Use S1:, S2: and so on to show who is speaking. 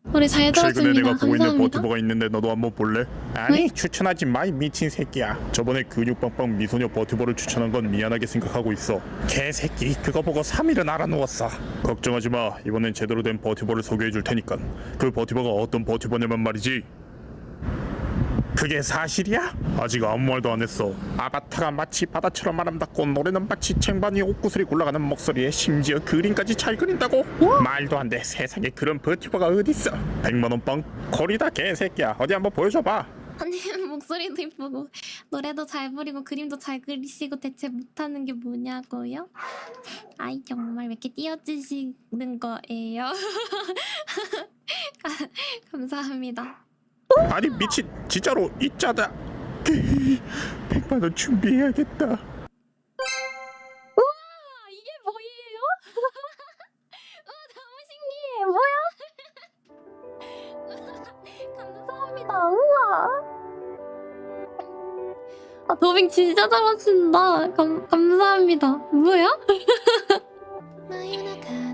S1: 우리 잘
S2: 최근에
S1: 들었습니다.
S2: 내가 보고 있는
S1: 감사합니다.
S2: 버튜버가 있는데 너도 한번 볼래? 아니
S1: 왜?
S2: 추천하지 마 이 미친 새끼야. 저번에 근육빵빵 미소녀 버튜버를 추천한 건 미안하게 생각하고 있어. 개새끼 그거 보고 3일은 알아누웠어. 걱정하지 마. 이번엔 제대로 된 버튜버를 소개해 줄 테니까. 그 버튜버가 어떤 버튜버냐면 말이지. 그게 사실이야? 아직 아무 말도 안 했어. 아바타가 마치 바다처럼 아름답고 노래는 마치 쟁반 위에 옷구슬이 굴러가는 목소리에 심지어 그림까지 잘 그린다고? 말도 안 돼. 세상에 그런 버튜버가 어딨어. 100만 원 빵? 거리다 개새끼야. 어디 한번 보여줘봐.
S1: 아니 목소리도 이쁘고 노래도 잘 부리고 그림도 잘 그리시고 대체 못하는 게 뭐냐고요? 아이 정말 왜 이렇게 띄워주시는 거예요? 감사합니다.
S2: 아니 미친 진짜로 있자다. 100만 원 준비해야겠다.
S1: 우와 이게 뭐예요? 너무 신기해. 뭐야? 감사합니다. 우와. 아 더빙 진짜 잘하신다. 감사합니다. 뭐야?